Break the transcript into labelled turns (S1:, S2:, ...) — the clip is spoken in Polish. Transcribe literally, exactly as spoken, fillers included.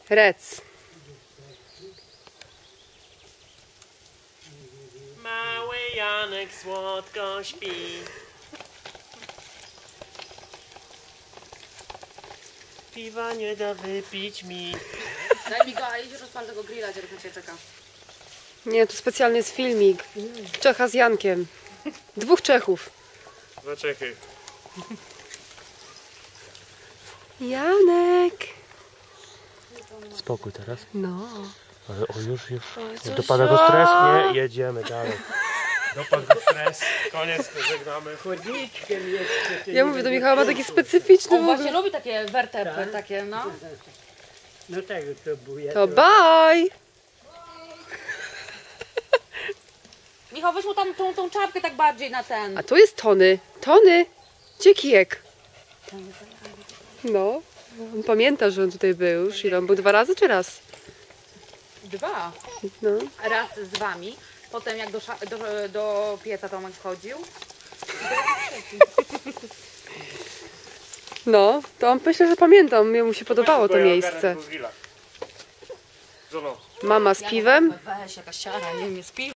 S1: Rec.
S2: Mały Janek słodko śpi. Piwa nie da wypić mi.
S3: Daj mi go, a idź rozpal tego grilla, gdzie na ciebie czeka.
S1: Nie, to specjalny jest filmik. Czecha z Jankiem. Dwóch Czechów.
S2: Dwa Czechy.
S1: Janek.
S2: Spokój teraz.
S1: No.
S2: Ale o już, już.
S1: co
S2: Dopada go
S1: za-
S2: stres? Nie, jedziemy dalej. Dopadł go stres. Koniec, żegnamy.
S4: Chodniczkiem jeszcze.
S1: Ja mówię do Michała, ma taki specyficzny
S3: On
S1: w
S3: właśnie
S1: ogóle.
S3: lubi takie wertepy,
S4: Tak?
S3: takie no.
S4: No tego to buja.
S1: To bye.
S3: Michał, weź mu tam tą, tą czapkę tak bardziej na ten.
S1: A tu jest Tony. Tony. Gdzie kijek? No. On pamięta, że on tutaj był już. Ile on był? Dwa razy czy raz?
S3: Dwa.
S1: No.
S3: Raz z wami, potem jak do, sza- do, do pieca Tomek wchodził.
S1: No, to on myślę, że pamiętam. Mu się podobało to miejsce.
S2: Żono.
S1: Mama z piwem.
S3: Weź, jakaś siara, nie wiem, jest piwo.